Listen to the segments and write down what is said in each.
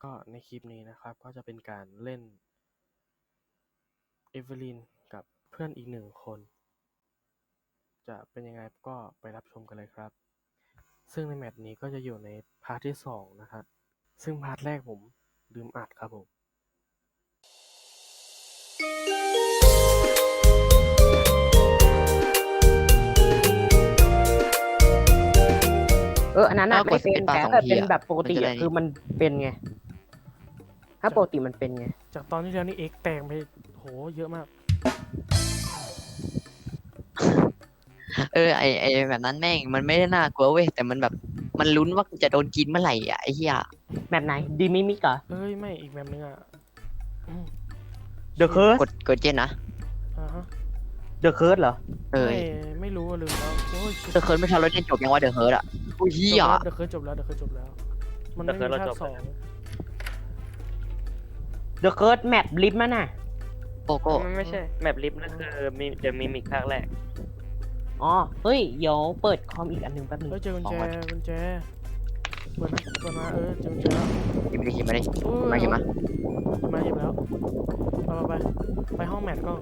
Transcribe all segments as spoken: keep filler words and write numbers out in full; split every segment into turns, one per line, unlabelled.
ก็ในคลิปนี้นะครับก็จะเป็นการเล่นเอเวอร์ลินกับเพื่อนอีกหนึ่งคน จะเป็นยังไงก็ไปรับชมกันเลยครับ ซึ่งในแมตช์นี้ก็จะอยู่ในพาร์ทที่สองนะครับซึ่งพาร์ทแรกผมลืมอัดครับผม
เอออันนั้นอะ
ถ้าก
ไม่
ด
เป็น
Space Bar
แต่
สอง
ถ้า
ที
เป็น
อะ
แบบปกติ
มันจะได้
อะคือมันเป็นไง ถ้าปกติมันเป็นไง
จากตอนที่แล้วนี่เอ็กแตงไปโหเยอะมาก
เออไอไอแบบนั้นแม่งมันไม่ได้น่ากลัวเว้ยแต่มันแบบมันลุ้นว่ากูจะโดนกินเมื่อไหร่อ่ะไอ้เหี้ย
แบบไหนดีมิมิกเหรอ
เอ้ยไม่อีกแบบนึงอ่ะอืม
The Curse
กดกดเจนนะ
อ่าฮะ
The Curse เหรอ
เออ
ไม่ไม่รู้อะลืมแล้วโอ้ย
เดอะเคิร์ดไม่ทันรถเจนจบยังว่าเดอะเคิร์ดอ่ะอุ้ยเหี้ย
เดอะเคิร์จบแล้วเดอะเคิร์จบแล้ว มันไม่มีภาคสอง
The Curse แมปลิฟต์มันน่ะ
โกโก้
มันไม่ใช่แมปลิฟต์นั่นคือมีเดอะมิมิกภาคแรก
อ๋อ เฮ้ย เดี๋ยวเปิดคอมอีกอันหนึ่งแป๊บนึง
เฮ้ยเจอกุญแจกุญแจเปิดนะเปิดมาเออเจอกุญแจแล้ว
หยิบมาดิหยิบมาดิ
โอ้ย
มาหยิบมา
หยิบมาหยิบแล้วไปไปไปไปห้องแมทก็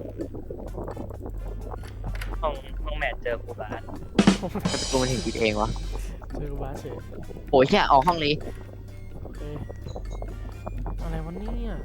ห้องห้องแมทเจอครูบาส
แต่ประตูมันถึงปิดเองวะ
เจอกูบาสเฉย
โอ้ยแค่ออกห้องนี้
โอเคอะไรวะเนี่ย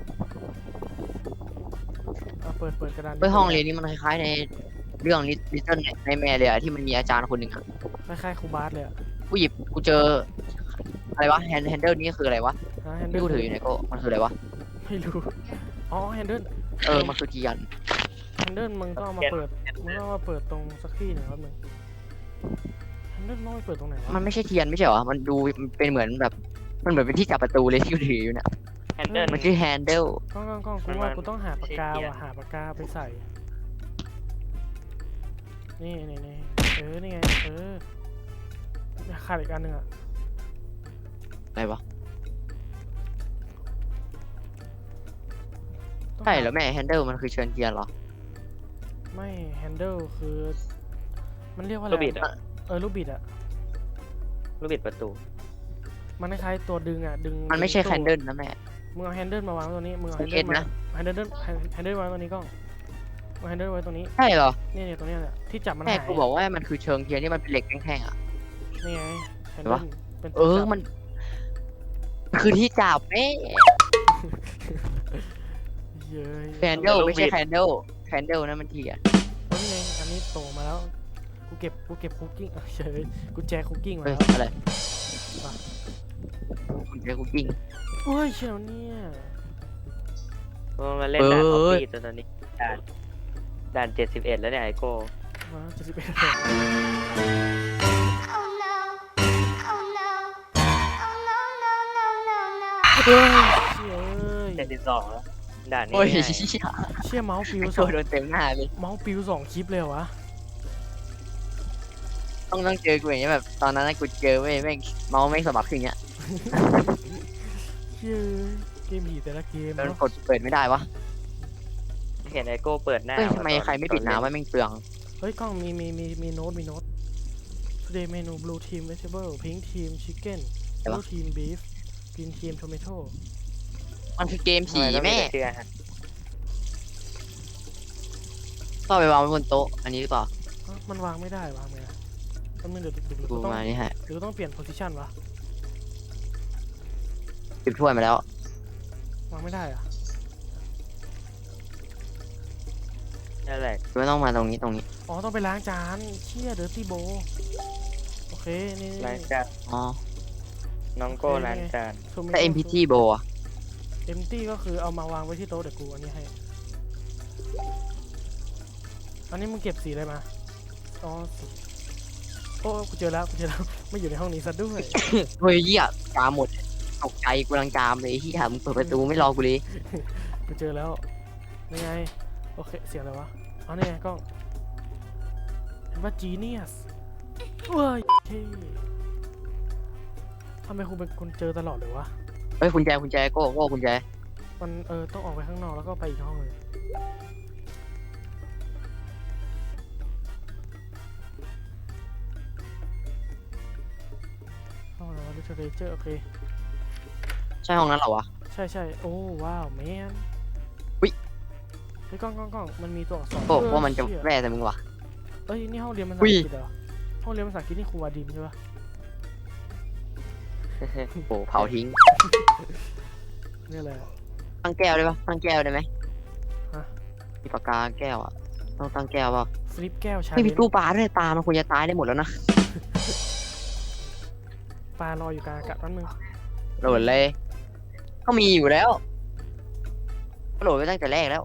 อ่ะเปิดเปิดกระดาน
เฮ้ยห้องเรียนนี่มันคล้ายๆในเรื่องลิตเติ้ลในแม่เลยอะที่มันมีอาจารย์คนหนึ่งอะ
คล้ายๆครูบาสเลยอะ
กูหยิบกูเจออะไรวะแฮนด์แฮนเดิลนี่คืออะไรวะ
ฮะแฮนเดิ
ที่
ล
กูถืออยู่ไหนโก็มันคืออะไรวะ
ไม่รู้อ๋อแฮนเดิล
เออมันคือจียัน
แฮนเดิลมึงต้องเอามาเปิดมึงต้องเอามาเปิดตรงสักที่หนึ่งครับมึงแฮนเดิลต้องไปเปิดตรงไหนวะ
มันไม่ใช่เทียนไม่ใช่เหรอ มันดูมันเป็นเหมือนแบบ มันเหมือนเป็นที่จับประตูเลยที่กูถืออยู่เนี่ย
แฮนเดิล
มันชื่อ handle
กล้องกล้องกล้องกูว่ากูต้องหาปากกาว่ะหาปากกาไปใส่ นี่นี่นี่เออนี่ไงเออขาดอีกอันหนึ่งอะ
อะไรวะ
ต้อง
ใช่
หา
เหรอแม่ handle มันคือเชิญเทียนเหรอ
ไม่แฮนเดิลคือ มันเรียกว่าอะไร
ลูกบิด
อะ
อะ
เออลูกบิดอะ
ลูกบิดประตู
มันคล้ายๆตัวดึงอะดึง
มันไม่ใช่
ดึงตู้
handle นะแม่
มึงเอาแฮนเดิลมาวางไว้ตรงนี้มึงเอาแฮน
เอ็
เดิล
ด
มา
นะ
แฮนเดิลแฮนเดิลวางไว้ตรงนี้กล้องเอาแฮนเดิลไว้ตรงนี้
ใช่เหรอ
นี่เนี่ยตรงเนี้ยแหละที่จับมัน
แม่
หาย
กูบอกว่ามันคือเชิงเทียนที่มันเป็นเหล็กแท่งๆอ่ะ
นี่ไงแฮน
เห็น
เดิ
ปะ
ลเป็น
เอ
ตัว
อ
จับ
มันมันคือที่จับแม่
เย้ย
handle ไม่ใช่ handle handle นั่นมันเทียน
เอานี่ไงอันนี้โตมาแล้วกูเก็บกูเก็บคุกกิ้งเฉยกูแจกคุกกิ้งมา
เฮ้ย
แล้ว
อะไร
ว่ะ
คุณเจอคุกกิ้ง
เฮ้ยเชี่ยวเนี่ย
มันมาเล่นด่านอ
เอ
อฟ
อ
ฟี่ตอนนี้ด่านด่านเจ็ดสิบเอ็ดแล้วเนี่ยไอโก้
มาเจ็ดสิบเอ็ด
Oh no. Oh no. Oh no, no, no, no, no.
เฮ้ยเชี่ยเอ้ย
เจ็ดสิบสองแล้วด่านนี้
โอ้ย
ง่าย
เหี้ย
เชี่ยเมาส์ปิว
ไอ้
ส
ตั
อ
ว
ง
โดนเต็มหน้าเลย
เมาส์ปิวสองคลิปเลยเหรอวะ
ต้องต้องเจอกูอย่างเงี้ยแบบตอนนั้นนะกูเจอเว้ยแม่งเมาส์แม่งสมัครขึ้นอย่างเงี้ย
เชี่ยเกมผีแต่ละเกม
แล้วมัน
เนาะ
กดเปิดไม่ได้วะ
เห็นไอโก้เปิดหน้า
เฮ้ยทำไม
ตอน
ใครไม่ปิด
ตอเล่
น้ำวะแม่งเปลือง
เฮ้ยกล้องมีมีมีมีโน้ตมีโน้ต today menu blue team vegetable pink team chicken
อะไรวะ
blue team beef green team tomato
มันคือเกม
ทำ
ผี
ไมต้อง
แม่
เชื่อฮะ
ก็เอาไปวางไว้บนโต๊ะอันนี้หรือเปล่า
เอ้ามันวางไม่ได้วางไงอะต้องเดี๋ยวเดี๋ยวเดี๋ยว
กู
กูต้อง
มานี่ฮะ
เดี๋ยวต้องเปลี่ยน position วะ
ปิดถ้วยมาแล้ว
วางไม่ได้อะ
นั่นแหละ
ไม่ต้องมาตรงนี้ตรงนี้
อ๋อต้องไปล้างจานเชี่ยเดอร์ตี้โบโอเคนี่
ล้างจาน
อ๋อ
น้องโก้ล้างจาน
แต่ เอ็ม พี ที โบอะ
เอ็มตี้ก็คือเอามาวางไว้ที่โต๊ะเดี๋ยวกูอันนี้ให้อันนี้มึงเก็บสีอะไรมาอ๋อสีโอ้กูเจอแล้วกูเจอแล้ว ไม่อยู่ในห้องนี้ซะด้วย
เฮ้ยเหี้ยจามหมดตกใจกูกำลังจามเลยที่ถามมึงเปิดประตูไม่รอกูเลย
กูเจอแล้วนี่ไงโอเคเสียงอะไรวะอ๋อนี่ไงกล้องเห็นว่า genius เว้ยเท่ทำไมคุณเป็นคนเจอตลอดเลยวะ
เฮ้ยคุณแจคุณแจโก้โก้คุณแจ
มันเออต้องออกไปข้างนอกแล้วก็ไปอีกห้องเลยห้องอะไรวะ literature โอเค
ใช่ห้องนั้นเหรอวะ
ใช่ช่ใช่โอ้ว้าวแมน
อุ๊ย
เฮ้ยกล้องกล้องกล้องมันมีตัวอักษร
โอ้
เออ
ว่ามันจะ
เชี่ย
แร่แต่มึงวะ
เอ้ยนี่ห้องเรียนภาษา
อุ๊
อั
ย
งกฤษเหรอห้องเรียนภาษาอังกฤษนี่ครูวาดินใช่ปะ
โอ้เผาทิ้ง
นี่แหละ
ตั้งแก้วได้ปะตั้งแก้วได้ไหม
ฮะ
มีปากกาแก้วอ่ะต้องตั้งแก้วเปล่า
ฟลิปแก้วชา
ไม่
เล
มี
น
ตู้ปลาด้วยปลามันควรจะตายได้หมดแล้วนะ
ปลารออยู่กลางอากาศแป๊บนึง
โหลดเลยก็มีอยู่แล้วก็โหลดไปตั้งแต่แรกแล้ว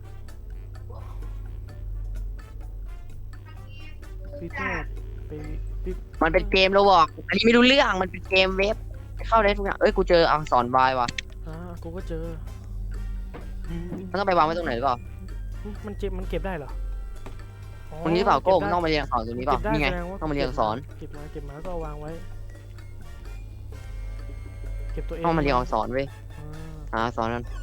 ฟิปแก้วไปฟิป
มันเป็นเกมโรบอกอันนี้ไม่รู้เรื่องมันเป็นเกมเว็บเข้าได้ทุกอย่างเอ้ยกูเจออักษรวายว่ะ
อ่ากูก็เจออืม
มันต้องไปวางไว้ตรงไหนหรือเปล่า
มันเจ็บมันเก็บได้เหรออ๋อ
ตรงนี้หรือเปล่าโก้
ก็
มัน
บ
ต้อง
ได้
มาเรียนอักษรตรงนี้เปล่า
ก็บด้
นี่ไง
แสดว่า
ต้องมาเรียนอักษร
เก็บมาเก็บมาก็เอาวางไว้ เก็บตัวเอง
ต้องมาเรียนอักษรเว้ย
อ่า
หาอักษรนั้น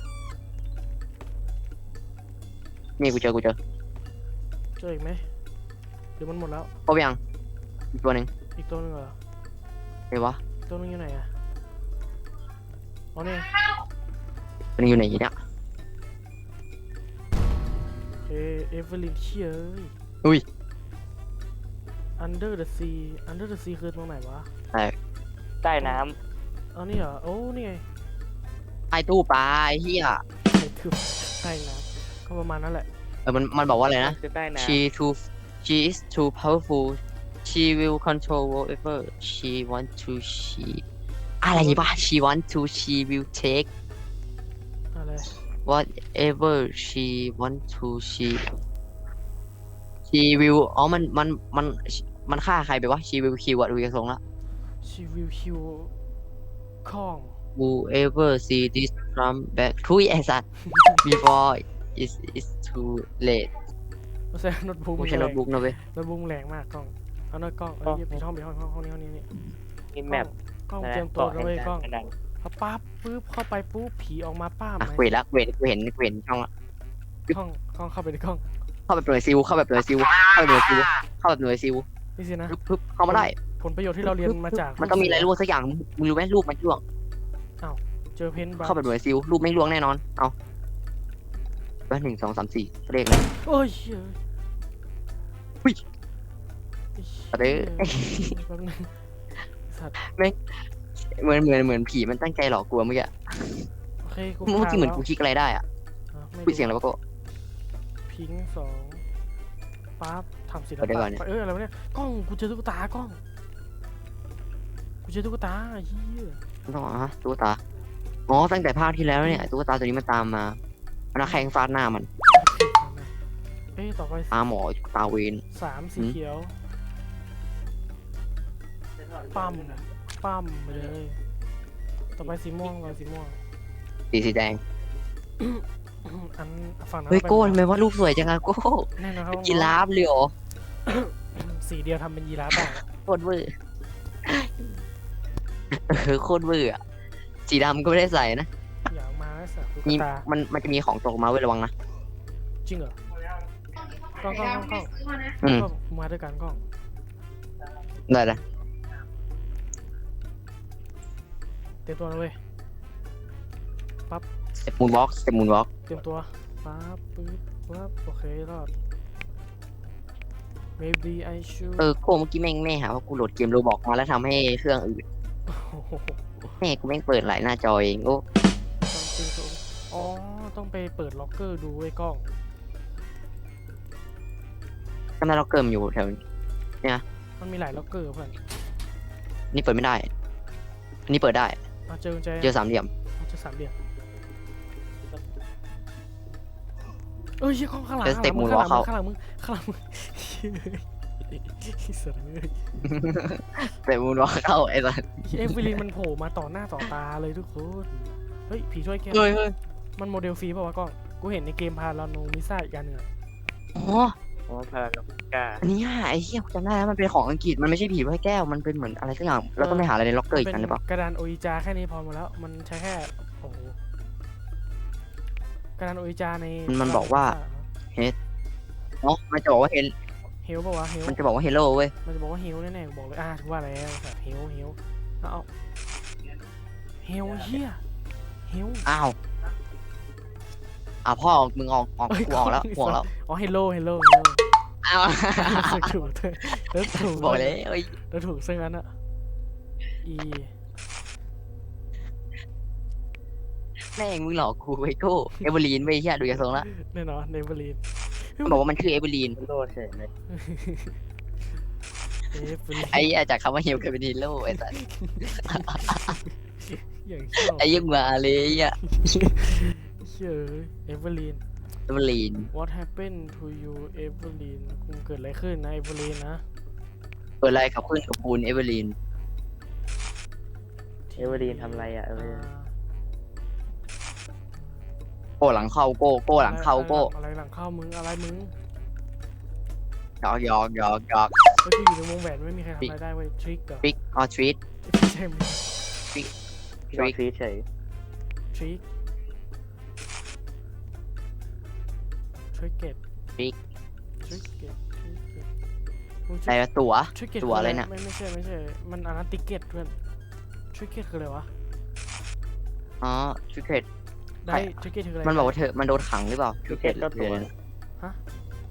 นี่กูเจอกูเจอ
เจออีกไหมหรือมันหมดแล้ว
ครบยังอีกตัวหนึ่ง
อีกตัวหนึงเหรอ
ไหนวะ
อีกตัวหนึงอยู่ไหนอะอ๋อนี่
ตัวหนึงอยู่ไหนเนี่ย
เอเอเวอร์ลินเชียเอ้ย
อุ้ย
Under the Sea Under the Sea คือตรงไหนวะ
ใต้น้
เอานี่เหรอ โอ้นี่ไง
ไอตู้ปลาไอ้เหี้ย
ไอ้คือใต้น้ำก็ประมาณนั้นแหละ
เออมันมันบอกว่าอะไร
ำ
นะ
คือใต้น้
she too she is too powerful she will control whatever she want to she อะไรบ้า she want to she will take
อะไร
whatever she want to she she will อ๋อมันมันมันมันฆ่าใครไปวะ she will kill อะดูจากทรงละ
She will kill ข้อง
whoever see this come back ทุยไอ้สัตว์ before it's it's too late
ไม่ใช่โน้ตบุ๊ก
ไม่ใช่โน้ตบุ๊กนะเว้ย
โน้ตบุ๊กแรงมากกล้อง เอาหน้ากล้องเอ้ยปิดห้องปิดห้องห้องห้องนี้ห้องนี้นี่
ำมีแมป
กล้อง
นะ
เตรียมตัว
เกาะ
นะ
แห่ง
เว้ย
กาก
ล้อง
รกระดาน
พอปั๊บปุ๊บเข้าไปปุ๊บผีออกมาป้าม
อ่ะ
ไหม
กูเห็นละกูเห็นกูเห็นกูเห็นช่องละ
กล้องกล้องเข้าไปในกล้อง
เข้าแบบหน่วยซิลเข้าแบบหน่วยซิลเข้าแบบหน่วยซิลเข้าแบบหน่วยซิล
นี่สินะ
ปึ๊บปึ๊บเข้ามาได้
ผลประโยชน์ที่เราเรียนมาจาก
มันต้องมีอะไรล่วงสักอย่างมึงมึงรู้ไหมรูปมันล่วง
เจอเพนบา
เข้าแบบหน่วยซิลรูปไม่ล่วงแน่นอนเอาว่าหนึ่งสองสามสี่เลขเลย
โอ้ยเชี่ย
อุ๊ย
ไอ้
เด้
เหี้ย
อ
แป๊บนึงสัตว์
เหมือนเหมือนเหมือนผีมันตั้งใจหลอกกูอะเมื่อกี้
โอเคกู
เมื่อกี้เหมือน
ผ่า
กู
แล้ว
คลิกอะไรได้อะ
อ่ะไม่
คุยเสียงอะไรวะโก็
พิงค์สองปั๊บทำศิล
เอาเดี๋ยวก่
ปะ
อนเนี่ย
เอออะไรวะเนี่ยกล้องกูเจอตุ๊กตากล้องกูเจอตุ๊กตาเฮีย
มันต้องอ่ะตุ๊กตาอ๋อตั้งแต่ภาคที่แล้วเนี่ยตุ๊กตาตัวนี้มันตามมามันเอาแข่งฟาดหน้ามัน
เอ้ยต่อไป
ตาหมอตาเวน
สามสี
หืม
เขียวปั๊มปั๊มไปเลย ต่อไปสีม่วงต่อไปสีม่วง
สีสีแดง
อันฝั่งนั้น
เฮ้ย
ไป
โก้ทำไมว่ารูปสวยจังอะโก้
แน่นอนครับ
กีราฟเลยเหรอ
สีเดียวทำเป็นยีราฟได้
โคตรเวอร์เออโคตรเวอร์อะสีดำก็ไม่ได้ใส่นะ
อยากมาแล้วสัตว์ตุ๊ก
มี
ตา
มันมันจะมีของตกมาเว้ยระวังนะ
จริงเหรอกล้องกล้องกล้องกล้อง
อืม
กล้องมาด้วยกันกล้อง
ได้เลย
เตรียมตัวนะเว้ย
สเต็ปมูนวอล์กสเต็ปมูนวอล์ก
เตรียมตัวปั๊บปึ๊บปั๊บโอเครอด maybe I should
เออโก้เมื่อกี้แม่งแม่หาว่ากูโหลดเกมโรบอกมาแล้วทำให้เครื่องอื่น
โอ้โห
แม่กูแม่งเปิดหลายหน้าจอเองโอ้
something to อ๋อ ต้องไปเปิดล็อกเกอร์ดูไว้ยกล้อง
ทำไมเราเกิมอยู่แถวนี้
มันมีหลายล็อกเกอร์เพื่อน
นี่เปิดไม่ได้ อันนี้เปิดได้
มาเจอกุญแจ
เจอสามเหลี่ยม
เอาเจอสามเหลี่ยมเอ้ยเหี้ยกล้องข้างหลัง
เจอสเต็ป
ข้างหลัง
moonwalk
ข้างหลังมึงข้างหลังมึงเฮ้ยเสยเลย
สเต็ปมูนวอล์กเข้าไอ้สัส
เอฟวิลินมันโผล่มาต่อหน้าต่อตาเลยทุกคน เฮ้ย ผีช่วยแก
เฮ้ยเฮ้ย
มันโมเดลฟรีป่าวะกล้อง กูเห็นในเกมพาราโนมิซ่าอีกอันหนึ่งอะ
อ๋อ
โอ้พาราโนกา
อันนี้อ่ะไอ้เหี้ยกูจำได้แล้วมันเป็นของอังกฤษมันไม่ใช่ผีไว้แก้วมันเป็นเหมือนอะไรสักอย่างเราต้องไปหาอะไรในล็อกเกอร์อีก
เป็
อันหรือเปล่าก
ระดานโออิจาแค่นี้พอหมดแล้ว มันใช้แค่ โอ้โห กระดานโออิจาใน
มันบอกว่าอ๋อมันจะบอกว่าเฮล
เฮลป่าวะเฮล
มันจะบอกว่าเฮลโลเว้ย
มันจะบอกว่าเฮลแน่ๆกูบอกเลย อ่าถือว่าแล้วแบบเฮลเฮลเอาเอาเฮลเฮียเฮล
อ้าวอ่ะพ่อมึงออกออก
เอ้ย
กูออกแล้วกูออกแล้ว
อ๋อเฮลโลเฮลโลเฮลโล
อ้าว
ถูกแล้วถูก
บอกเลยเอ้ย
แล้วถูกซึ่งนั้นอะ E
แม่งมึงหลอกกูไอ้โก้เอเวอร์ลีนไม่ใช่ดูจากทรงละ
แน่นอนเนเวอร์ลีน
มันบอกว่ามันคือเอเวอร์ลีน
โลดเฉยเลย
เอฟลีน
ไอ้เหี้ยจากคำว่าฮิวกลายเป็นฮีโร่ไอ้สัส
อย่างชอบ
ไอ้เหี้ยังมาเลยไอ้เหี้ย
เชื่อเอเวอร์ลีน
เอเวอร์ลีน
What happened to you เอเวอร์ลีนคุณเกิดอะไรขึ้นนะเอเวอร์ลีนนะ
เปิดอะไรกับขึ้นกับปูนเอเวอร์ลีน
เอเวอร์ดีนทำอะไรอ่ะเอเวอ
อ่า
ร์ดีน
โก้หลังเข้าโก้โก้หลังเข้าโก้
อะไรหลังเข้ามึงอะไรมึง
หยอกหยอกหยอกหยอก
เฮ้ยกูอยู่ในวงแหวนไม่มีใครทำอะไรได้เว้ยทริกเหรอ
ทริกออทริต
ไม่ใช่มึง
พี่ลองทรีเฉย
ทริกทริกเก็ต
ทริก
ทริกเก็ตทริกเก็ตมึง
อะไรวะตั๋ว
ทริกเก็ต
ตัวอะไรเนี่ย
ไม่ไม่ใช่ไม่ใช่มันอันนั้นติเก็ตเพื่อนทริกเก็ตคืออะไรวะ
อ๋อทริกเกต
ได้ทริกเก็ตคืออะไร
มันบอกว่าเธอมันโดนขังหรือเปล่า
พี่เก็ตก็ตัว
ฮะ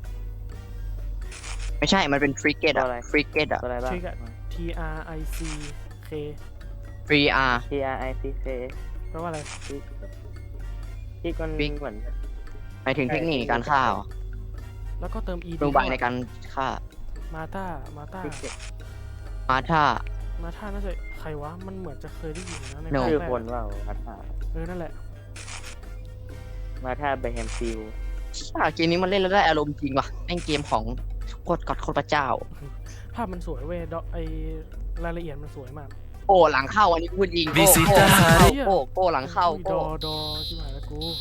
ไม่ใช่มันเป็นทริกเกต
ตัว
อะ
อะไร
ทริกเกตอะ
ตัวอะไรบ้าง
ทริกอะ T R I C K
ฟรีอาร์
T R I C K
แปลว่าอะไร
ที่มัน
Trick
เหมือน
หมายถึงเทคนิคในการฆ่าเหรอ
แล้วก็เติม E
โรงพยาบาลในการฆ่า
มาตามาตา
ที่เก็ต
มาท่า
มาตาน่าจะใครวะมันเหมือนจะเคยได้ยินนะใน
No
ภาค
ชื่อ
แรก
คน
อะ
ว่ามาท่า
เออนั่นแหละ
มาท่าเบแฮมซิล
อ่าเกมนี้มันเล่นแล้วได้อารมณ์จริงว่ะแม่งเกมของโคตรกอดโคตรพระเจ้า
ภาพมันสวยเว้ยดอกไอรายละเอียดมันสวยมาก
โก้หลังเข้าอันนี้พูดจริงโก้
Visita
โก้หลังเข้า
Hari
โก้โก้หลังเข้า
ด
โก้
อดอชิบหายแล้วกู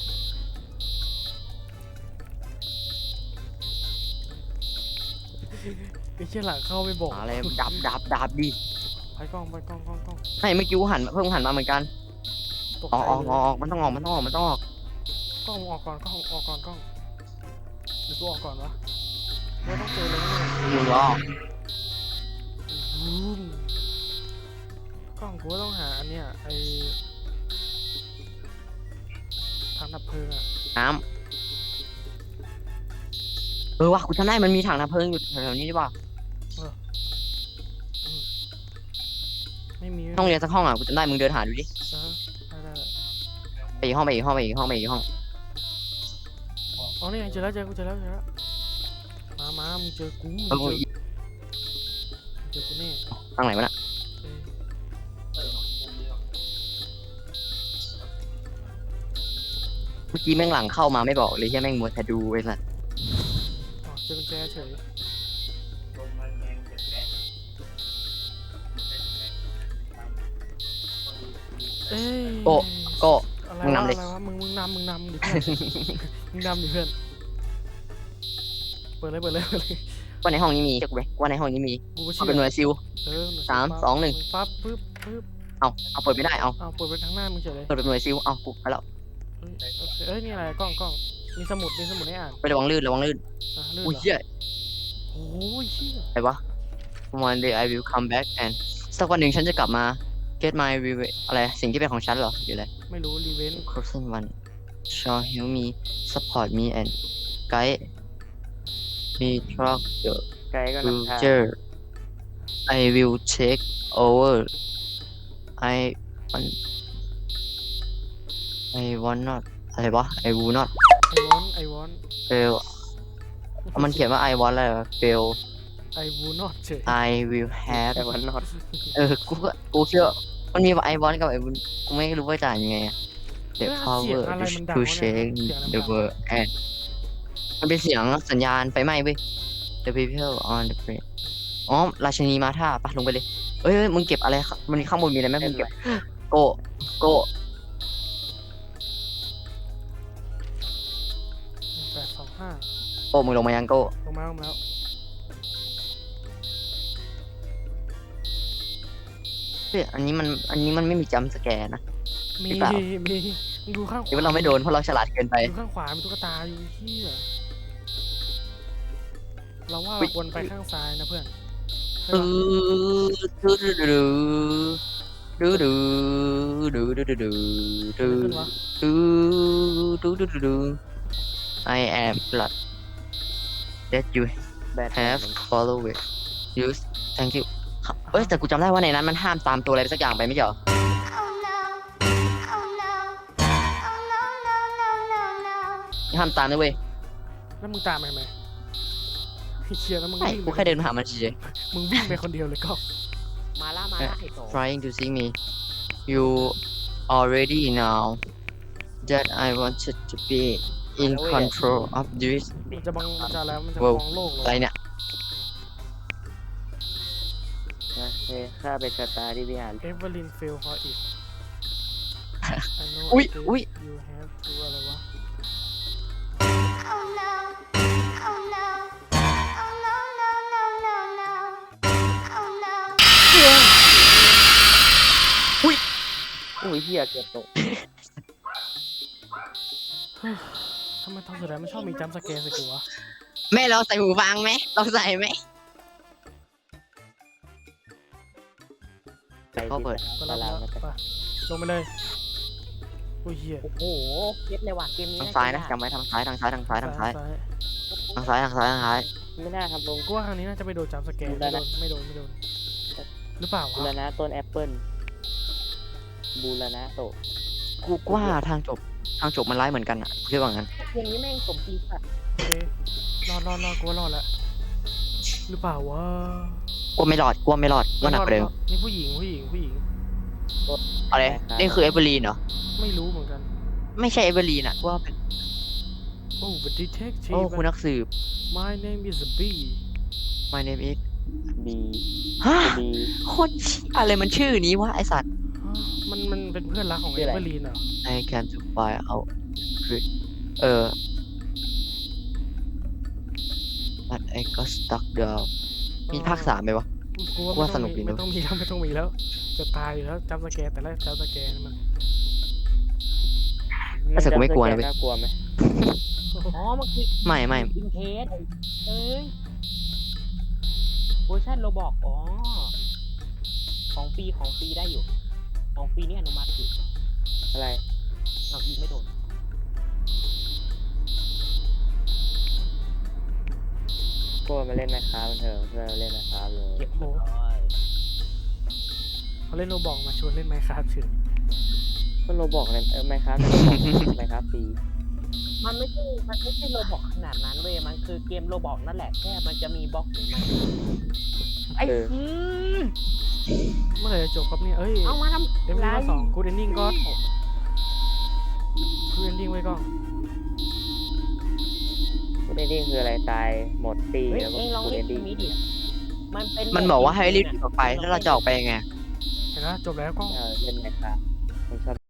ไอ้เชี่ยหลังเข้าไม่บอก
อะไรดับดับดับดิ
ไปกล้องไปกล้องกล้องกล้อง
ไม่เมื่อกี้กูหันเพิ่งหันมาเหมือนกัน
ตก
ออก
ใจ
ออก
เล
ออย กออกมันต้องออกมันต้องออกมันต้องออก
กล้องออกก่อนกล้องออกก่อนกล้องหรือกูออกก่อนวะไม่ต้องเจอเลยนะเนี่ย
มึงรอ
อืมกล้องกูก็ต้องหาอันเนี้ยไอทางดับเพลิงอะ
น้ำเออว่ะกูจำได้มันมีถังน้ำเพลิงอยู่แถวๆนี้ดีป่ะ
ไม่มี
ห้องเรียนสักห้องอ่ะกูจำได้มึงเดินหาดูดิ
เออได้ได้ได้
ไปอีกห้องไปอีกห้องไปอีกห้องไปอีกห้อง
อ๋อนี่ไงเจอแล้วเจอกูเจอแล้วเจอแล้วมามามึงเจอกูมึง
เออ
เจอมึงเจอกูแน่
ทางไหนวะน่ะ
เออ
เมื่อกี้แม่งหลังเข้ามาไม่บอกเลยใช่แม่งมัวแต่ดูไอ้สัส
อ๋อเจอกุญแจเฉยเอ้ย
โก้โก้
อะไร
มึง
วะ
นำเลย
อะไรวะมึงมึงนำมึงนำดิเพื่อน มึงนำดิเพื่อนเปิดเลยเปิดเลยเปิดเลย
ว่าในห้องนี้มีเช็คไหมว่าในห้องนี้มี
กูก็
เอา
เชื่
เป็นหน่วยซิล
เออหน่วย
สาม
ปั๊บ
สองหนึ่ง
ปั๊บปึ๊บปึ๊บ
เอาเอาเปิดไม่ได้เอา
เอาเปิดไปทางหน้ามึงเฉยเลย
เปิดเป็นหน่วยซิลเอากูไปแล้ว
เอ้ยโอเคเอ้ยนี่อะไรกล้องกล้องมีสมุดมีสมุดให้อ่าน
ไประวังลื่นระวังลื่น
อ่ะลื่น
อุ้ย
เหรอ
เหี้ย
โอ้ยเชี่ย
อะไรวะ One day I will come back and สักวันหนึ่งฉันจะกลับมา get my revenge อะไรสิ่งที่เป็นของฉันเหรอหรืออะไร
ไม่รู้รีเวน
Crossing one shall help me support me and guide me through the
ไกด์ก็นำทาง
future I will take over I want I want not อะไรวะ I will not
ไอวอนไอวอน
fail มันเขียนว่า I want อะไรวะ fail
ไอวูนอตเฉย
I will have
แต่วันนอต
เออ กูก็กูเชื่อมันมีว่า I want กับ I will กูไม่รู้ว่าจะอ่านยังไงอะ The
เอ้ยเสียง
power
อะไรมันดัง
to
วะเนี่ย
change
เสียงอะไรมัน
the
ดัง
world and มันเป็นเสียงสัญญาณไฟไหม้เว้ย The people on the plane อ๋อ ราชินีมาท่าปะลงไปเลย เอ้ยเอ้ยมึงเก็บอะไรครับมันข้างบนมีอะไรไหมมึงเก็บ โกโก
แปดสองห้า
โกมึงลงมายังโก
ลงมาลงมาแล้ว
เฮ้ยอันนี้มันอันนี้มันไม่มีจัมป์สแกร์นะ
มี
หรือเปล่า
มีมึงดูข้างข
หรือ
วา
ว่าเราไม่โดนเพราะเราฉลาดเกินไป
ดูข้างขวามีตุ๊กตาอยู่ที่เราว่า
อุ๊
เรา
ย
ควรไปข้างซ้ายนะเพื่อนใช่
ดู
ปะ
ดูดูดูดูดูดูดูดูดู
อะไรขึ้นวะ
ดูดูดูดูดู I am glad that you
แบท
have followed use thank you เอ้ยแต่กูจำได้ว่าในนั้นมันห้ามตามตัวอะไรไปสักอย่างไปไม่ใช่เหรอ
Oh no. Oh no. Oh no, no, no, no, no.
ห้ามตามนะเว้ย
แล้วมึงตามไปทำไมไอ้เชียแล้วมึง
ไม่
วิ่ง
กู
ไป
แค่เดินมาหามันเฉย
มึงวิ่งไปคนเดียวเลยก็
มาล่ามาล่าไอ้โต
ๆ trying to see me you already know that I wanted to be in control of this
มันจะบังมันจะแล้วมันจะ
ว้าว
มองโลก
อะไร
เลย
เนี่ย
นะเฮ้ยข้าเป็นสตาร์ที่พี่หาน
เอเวอร์ลิน fail for it I know
อุ๊ย
it is
อุ๊ย
you have to อะไรวะ
Oh no. Oh no. Oh no, no, no, no, no. Oh no.
อุ้ยเฮียเกือบตก
ทำไมตอนสุดท้ายมันชอบมีจัมป์สแกร์ใส่กูวะ
แม่เราใส่หูฟังไหมเราใส่ไหม
ไป
เขาเปิด
ก็
ตา
รับ
ราง
แล้ว
มาแต่
ไปลงไปเลยโอ้ยเหี้ย
โอ้โหเก็บเลยว่ะเกมนี้
ทางซ้ายนะจำไว้ทางซ้ายทางซ้ายทางซ้ายทางซ้ายทางซ้ายทางซ้ายทางซ้าย
ไม่น่าทำลง
กูว่าครั้งนี้น่าจะไปโดนจัมป์สแกร์
ดู
ไม่
ได้
โด
นะ
นไม่โดนไม่โดนหรือเปล่าวะ
บูรณะต้นแอปเปิลบูรณะโต
กูว่าทางจบทางจบมันร้ายเหมือนกันอ่ะคิดว่างั้น
เกมนี้แม่งสมจริงสัตว์
โอเครอดรอดรอดกูว่ารอดแล้วหรือเปล่าวะ
กูไม่รอดกูว่าไม่รอดว่าหนักกว่าเดิม
นี่ผู้หญิงผู้หญิงผู้หญิง
อะไรนี่คือเอเวอร์ลีนเหรอ
ไม่รู้เหมือนกัน
ไม่ใช่เอเวอร์ลีนอ่ะกูว่าเป็น
โอ้ but detective
โอ้คุณนักสืบ
my name is B
my name is
บี
ฮะ
บี
คนเชี่ยอะไรมันชื่อนี้วะไอสัตว์
ฮะมันมันเป็นเพื่อนรักของ
ชื่
เอ
ออะไร
เวอร์ลีนเหรอ
I can to find out เออ but I got stuck down มีภาคสามไหมวะ
กูว่า
กูว่า
ไม่ต้อง
สนุกดี
มี
นะ
ไม่ต้องมีแล้วไม่ต้องมีแล้ว จะตายอยู่แล้วจัมป์สแกร์แต่แรกจัมป์สแกร์นี่มัน
แต่กูไม่กลัวนะเว้ย
น่ากลัวไหม
อ๋อมันคือ
ไม่ไม่
อินเทสเอ้ยเวอร์ชันโรบอกอ๋อของฟรีของฟรีได้อยู่ ของฟรีนี่อนุมัติอยู่
อะไร
เอายิงไม่โดน
พวกมาเล่นนะครับมันเถอะเพื่อนมาเล่นนะครับเลย
เก็บโอ้ย
เขาเล่นโรบอกมาชวนเล่นไมค์คราฟเฉย
ก็โรบอกในเออไมครับในโรบอกไมครับปี
มันไม่ใช่มันไม่ใช่โรบอกขนาดนั้นเว้ยมันคือเกมโรบอกนั่นแหละแค่มันจะมีบล็อกของมันไอ้
เออ
อืม
เมื่อไหร่จะจบครับเนี่ยเอ้ย
เอามาทำ
เอ็มวีสองกูดเอนดิ้งก็กูดเอนดิ้งไว้ก่อน
กูได้ดิ้งคืออะไรตายหมดปี
เฮ้ย
แล้วก็
เองลอง
กู
เล่
ได้
น
ดิ้ง
นี้ดิ มันเป็น
มันบอกว่าให้รีบ
โหมด
ออกไปแล้วเราจะออกไปยังไง
เห็นไหมจบแล้วก็
เออเล่นไมครับผมชอบ